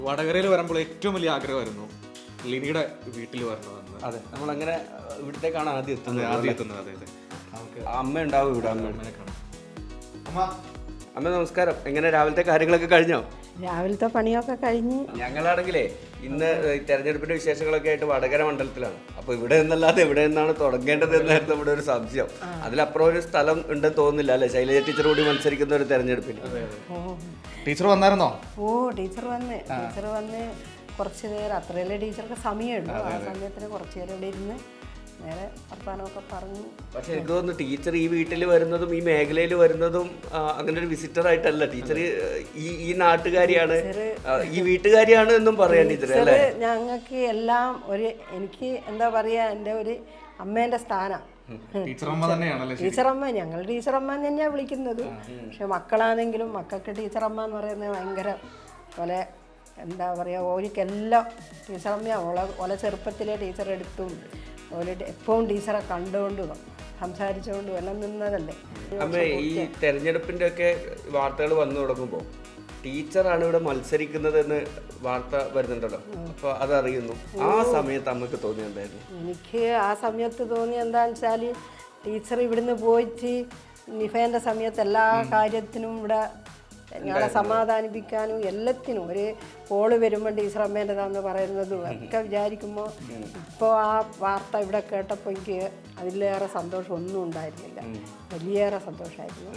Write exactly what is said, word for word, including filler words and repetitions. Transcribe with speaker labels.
Speaker 1: വടകരയിൽ വരുമ്പോൾ ഏറ്റവും വലിയ ആഗ്രഹമായിരുന്നു ലിനിയുടെ വീട്ടിൽ വരണമെന്ന്.
Speaker 2: അതെ, നമ്മളങ്ങനെ ഇവിടത്തേക്കാണ് ആദ്യം എത്തുന്നത്.
Speaker 1: ആദ്യം എത്തുന്നത് അതെ അതെ.
Speaker 2: അമ്മ ഉണ്ടാവും ഇവിടെ. അമ്മ
Speaker 1: അമ്മേനെ കാണാം. അമ്മ
Speaker 2: അമ്മ നമസ്കാരം. എങ്ങനെ രാവിലത്തെ കാര്യങ്ങളൊക്കെ കഴിഞ്ഞോ?
Speaker 3: രാവിലത്തെ പണിയൊക്കെ കഴിഞ്ഞ്
Speaker 2: ഞങ്ങളാണെങ്കിലേ ഇന്ന് തെരഞ്ഞെടുപ്പിന്റെ വിശേഷങ്ങളൊക്കെ ആയിട്ട് വടകര മണ്ഡലത്തിലാണ്. അപ്പൊ ഇവിടെ നിന്നല്ലാതെ എവിടെ നിന്നാണ് തുടങ്ങേണ്ടത് എന്നായിരുന്നു നമ്മുടെ ഒരു സംശയം. അതിലപ്പുറം ഒരു സ്ഥലം ഉണ്ടെന്ന് തോന്നുന്നില്ല അല്ലേ? ശൈലജ ടീച്ചർ കൂടി മത്സരിക്കുന്ന ഒരു തെരഞ്ഞെടുപ്പിൽ.
Speaker 1: ടീച്ചർ വന്നായിരുന്നോ?
Speaker 3: ഓ ടീച്ചർ വന്ന് ടീച്ചർ വന്ന് കുറച്ച് നേരം, അത്രയല്ലേ ടീച്ചർക്ക് സമയമുള്ളൂ. ആ സമയത്തിന് കുറച്ച് നേരം ഇവിടെ ഇരുന്ന് നേരെ വർത്താനമൊക്കെ പറഞ്ഞു.
Speaker 2: പക്ഷെ എനിക്ക് തോന്നുന്നു ടീച്ചർ ഈ വീട്ടിൽ വരുന്നതും ഈ മേഖലയിൽ വരുന്നതും അങ്ങനെ ഒരു വിസിറ്റർ ആയിട്ടല്ല. ടീച്ചർ ഈ ഈ നാട്ടുകാരിയാണ്, ഈ വീട്ടുകാരിയാണ് എന്നും പറയാൻ ടീച്ചർ അല്ലേ?
Speaker 3: ഞങ്ങൾക്ക് എല്ലാം ഒരു, എനിക്ക് എന്താ പറയാ, എൻ്റെ ഒരു അമ്മേൻ്റെ സ്ഥാനം
Speaker 1: ടീച്ചറമ്മ തന്നെയാണല്ലേ?
Speaker 3: ടീച്ചറമ്മ, ഞങ്ങൾ ടീച്ചറമ്മ തന്നെയാണ് വിളിക്കുന്നത്. പക്ഷെ മക്കളാണെങ്കിലും മക്കൾക്ക് ടീച്ചറമ്മ എന്ന് പറയുന്നത് ഭയങ്കര പോലെ എന്താ പറയുക, ഓരിക്കെല്ലാം ടീച്ചറമ്മയാണ്. ഓളെ ഓലെ ചെറുപ്പത്തിലെ ടീച്ചർ എടുത്തും ഓല് എപ്പോഴും ടീച്ചറെ കണ്ടുകൊണ്ടും സംസാരിച്ചുകൊണ്ടും എല്ലാം നിന്നതല്ലേ.
Speaker 2: അമ്മേ, ഈ തെരഞ്ഞെടുപ്പിന്റെ ഒക്കെ വാർത്തകൾ വന്നു തുടങ്ങുമ്പോൾ ടീച്ചറാണ് ഇവിടെ മത്സരിക്കുന്നതെന്ന് വാർത്ത വരുന്നുണ്ടല്ലോ, അപ്പൊ അതറിയുന്നു. ആ സമയത്ത് അമ്മക്ക് തോന്നിയുണ്ടായിരുന്നു?
Speaker 3: എനിക്ക് ആ സമയത്ത് തോന്നി എന്താണെന്ന് വെച്ചാൽ, ടീച്ചർ ഇവിടുന്ന് പോയിട്ട് നിഫേൻ്റെ സമയത്ത് എല്ലാ കാര്യത്തിനും ഇവിടെ ഞങ്ങളെ സമാധാനിപ്പിക്കാനും എല്ലാത്തിനും ഒരു കോള് വരുമ്പോൾ ടീച്ചർ അമ്മേൻ്റെതാന്ന് പറയുന്നതും ഒക്കെ വിചാരിക്കുമ്പോൾ ഇപ്പോൾ ആ വാർത്ത ഇവിടെ കേട്ടപ്പോൾ എനിക്ക് അതിലേറെ സന്തോഷം ഒന്നും ഉണ്ടായിരുന്നില്ല. വലിയേറെ സന്തോഷമായിരുന്നു.